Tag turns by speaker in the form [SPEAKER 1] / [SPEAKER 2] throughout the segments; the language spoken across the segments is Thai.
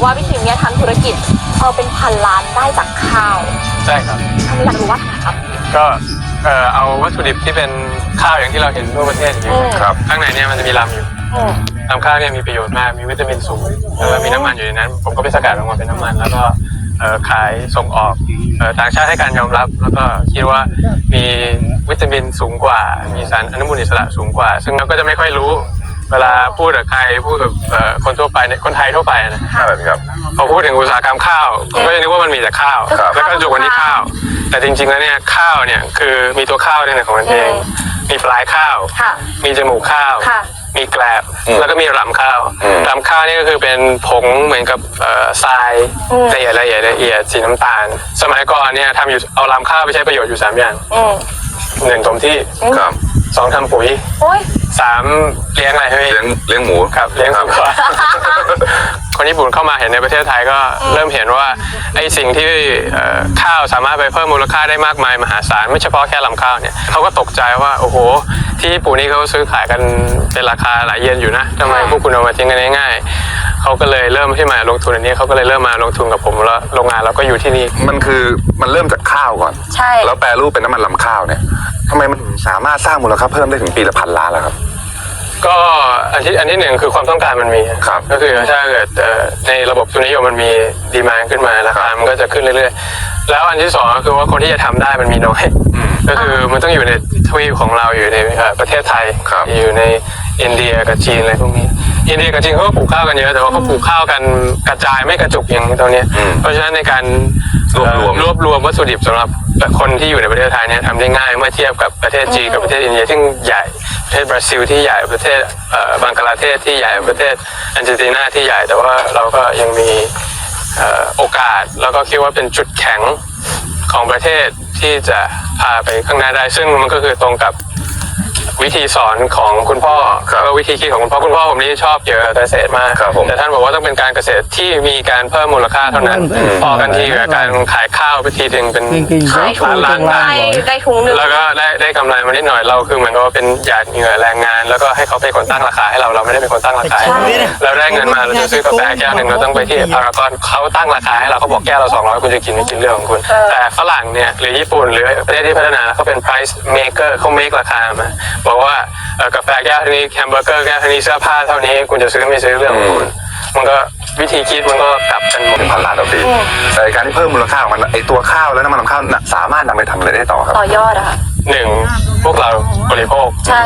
[SPEAKER 1] ว่าพี่ทีมเนี่ยทำธุรกิจเป็นพันล้านได้จากข้าว
[SPEAKER 2] ใช่ครับ
[SPEAKER 1] ทำไมอยากรู้ว่าทำไมครับ
[SPEAKER 2] ก็เอาวัตถุดิบที่เป็นข้าวอย่างที่เราเห็นทั่วประเทศอยู่ครับข้างในเนี่ยมันจะมีลำอยู่ลำข้าวเนี่ยมีประโยชน์มากมีวิตามินสูงแล้วก็มีน้ำมันอยู่ในนั้นผมก็ไปสกัดออกมาเป็นน้ำมันแล้วก็ขายส่งออกต่างชาติให้การยอมรับแล้วก็คิดว่ามีวิตามินสูงกว่ามีสารอนุมูลอิสระสูงกว่าซึ่งเราก็จะไม่ค่อยรู้เวลาพูดกับใครพูดกับคนทั่วไปเนี่ยคนไทยทั่วไปนะครับพอพูดถึงอุตสาหกรรมข้าวก็จะนึกว่ามันมีแต่ข้าวแล้วก็จุกวันที่ข้าวแต่จริงๆแล้วเนี่ยข้าวเนี่ยคือมีตัวข้าวในของมันเองมีปลายข้าวมีจมูกข้าวมีแกลบแล้วก็มีรำข้าวรำข้าวนี่ก็คือเป็นผงเหมือนกับทรายละเอียดสีน้ำตาลสมัยก่อนเนี่ยทำอยู่เอารำข้าวไปใช้ประโยชน์อยู่3อย่าง1ถมที่2ทำปุ๋ย3เลี้ยงอะไรให้
[SPEAKER 3] เลี้ยงหมู
[SPEAKER 2] ครับเลี้ยงสุกรคนญี่ปุ่นเข้ามาเห็นในประเทศไทยก็เริ่มเห็นว่าไอ้สิ่งที่ข้าวสามารถไปเพิ่มมูลค่าได้มากมายมหาศาลไม่เฉพาะแค่ลำข้าวเนี่ยเขาก็ตกใจว่าโอ้โหที่ญี่ปุ่นนี่เขาซื้อขายกันเป็นราคาหลายเยนอยู่นะทำไมพวกคุณเอามาทิ้งกันง่ายๆเขาก็เลยเริ่มที่มาลงทุนอันนี้เขาก็เลยเริ่มมาลงทุนกับผมแล้วโรงงานเราก็อยู่ที่นี่
[SPEAKER 3] มันเริ่มจากข้าวก่อน
[SPEAKER 1] ใช่
[SPEAKER 3] แล้วแปรรูปเป็นน้ำมันลำข้าวเนี่ยทำไมมันสามารถสร้างมูลค่าเพิ่มได้ถึงปีละ1,000 ล้านล่ะครับ
[SPEAKER 2] ก็อันที่หนึ่งคือความต้องการมันมีครับก็คือถ้าเกิดในระบบทุนนิยมมันมีดีมานด์ขึ้นมาราคามันก็จะขึ้นเรื่อยๆแล้วอันที่สองก็คือว่าคนที่จะทำได้มันมีน้อยก็คือมันต้องอยู่ในทวีปของเราอยู่ในประเทศไทยอยู่ในอินเดียกับจีนอะไรพวกนี้อินเดียกับจีนเขาก็ปลูกข้าวกันเยอะแต่ว่าเขาปลูกข้าวกันกระจายไม่กระจุกอย่างตรงนี้เพราะฉะนั้นในการรวบรวมวัตถุดิบสำหรับคนที่อยู่ในประเทศไทยเนี่ยทำได้ง่ายเมื่อเทียบกับประเทศจีนกับประเทศอินเดียที่ใหญ่ประเทศบราซิลที่ใหญ่ประเทศบังกลาเทศที่ใหญ่ประเทศอาร์เจนตินาที่ใหญ่แต่ว่าเราก็ยังมีโอกาสแล้วก็คิดว่าเป็นจุดแข็งของประเทศที่จะพาไปข้างหน้าได้ซึ่งมันก็คือตรงกับวิธีสอนของคุณพ่อแล้วก็วิธีคิดของคุณพ่อผมนี่ชอบเกี่ยวกับเกษตรมากแต่ท่านบอกว่าต้องเป็นการเกษตรที่มีการเพิ่มมูลค่าเท่านั้นพอกันทีกับการขายข้าวไปทีนึงเป็นล้าน
[SPEAKER 1] ได้ถุงนึง
[SPEAKER 2] แล้วก็ได้กำไรมานิดหน่อยเราคือเหมือนกับว่าเป็นหยาดเหงื่อแรงงานแล้วก็ให้เขาเป็นคนตั้งราคาให้เราไม่ได้เป็นคนตั้งราคาเราได้เงินมาเราจะซื้อกาแฟแก้วหนึ่งเราต้องไปที่พารากอนเขาตั้งราคาให้เราเขาบอกแก้วเรา200คุณจะกินไม่กินเรื่องของคุณแต่ฝรั่งเนี่ยหรือญี่ปุ่นหรือประเทศที่พัฒนาเขาเป็น price maker เขา make ราคามาบอกว่ากาแฟแก้วเท่านี้แฮมเบอร์เกอร์แก้วเท่านี้เสื้อผ้าเท่านี้คุณจะซื้อไม่ซื้อเรื่องของคุณมันก็วิธีคิดมันก็กลับกันหมด
[SPEAKER 3] 1,000 ล้านต่อปีแต่การที่เพิ่มมูลค่าของมันไอตัวข้าวและน้ำมันลำข้าวสามารถนำไปทำอะไรได้ต่อครับ
[SPEAKER 1] ต่อยอดอะค่ะ
[SPEAKER 2] 1พวกเราบริโภค
[SPEAKER 1] ใช่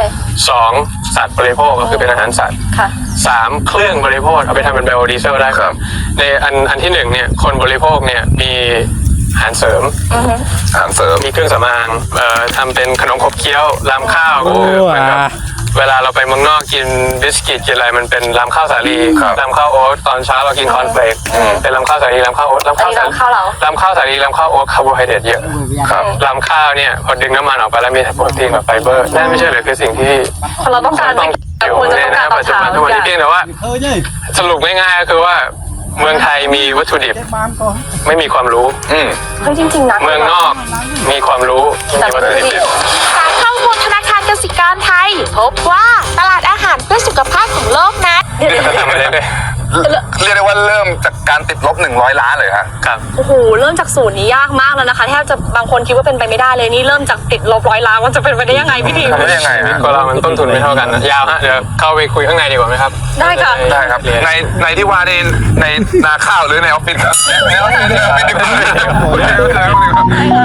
[SPEAKER 2] 2สัตว์บริโภคก็คือเป็นอาหารสัตว์3เครื่องบริโภคเอาไปทำเป็นไบโอดีเซลได้ครับในอันที่1เนี่ยคนบริโภคเนี่ยมีอาหารเสริมมีเครื่องสำอางทำเป็นขนมขบเคี้ยวรำข้าวก็คือเหมือนกับเวลาเราไปเมืองนอกกินบิสกิตกินอะไรมันเป็นรำข้าวสาลีรำข้าวโอ๊ตตอนเช้าเรากินคอนเฟลกเป็นรำข้าวสาลีรำข้าวโอ๊ตรำข้าวสาลีรำข้าวโอ๊ตคาร์โบไฮเดรตเยอะรำข้าวเนี่ยพอดึงน้ำมันออกไปแล้วมีโปรตีนกับไฟเบอร์นั่นไม่ใช่เลยคือสิ่งที่
[SPEAKER 1] เราต้องการ
[SPEAKER 2] อยู่ในปัจจุบันทุกวันนี้เพียงแต่ว่าสรุปง่ายๆก็คือว่าเมืองไทยมีวัตถุดิบไม่มีความรู้
[SPEAKER 1] จริงๆนะ
[SPEAKER 2] เมืองนอกมีความรู้มีวัตถุดิบ
[SPEAKER 4] จากข้อมูลธนาคารกสิกรไทยพบว่าตลาดอาหารเพื่อสุขภาพของโลกนั้น
[SPEAKER 3] เรียกได้ว่าเริ่มจากการติดลบ100 ล้านเลย
[SPEAKER 2] ครับ
[SPEAKER 1] โอ้โหเริ่มจากศูนย์นี้ยากมากแล้วนะคะแทบจะบางคนคิดว่าเป็นไปไม่ได้เลยนี่เริ่มจากติดลบ100 ล้านมันจะเป็นไปได้ยังไงพี่ทีม
[SPEAKER 3] ได้ยังไง
[SPEAKER 2] ก็เรามันต้นทุนไม่เท่ากันยาวฮะเดี๋ยวเข้าไปคุยข้างในดีกว่าไหมครับ
[SPEAKER 1] ได้ค่ะ
[SPEAKER 3] ได้ครับในที่ว่าในนาข้าวหรือในออฟฟิศครับในออฟฟิศ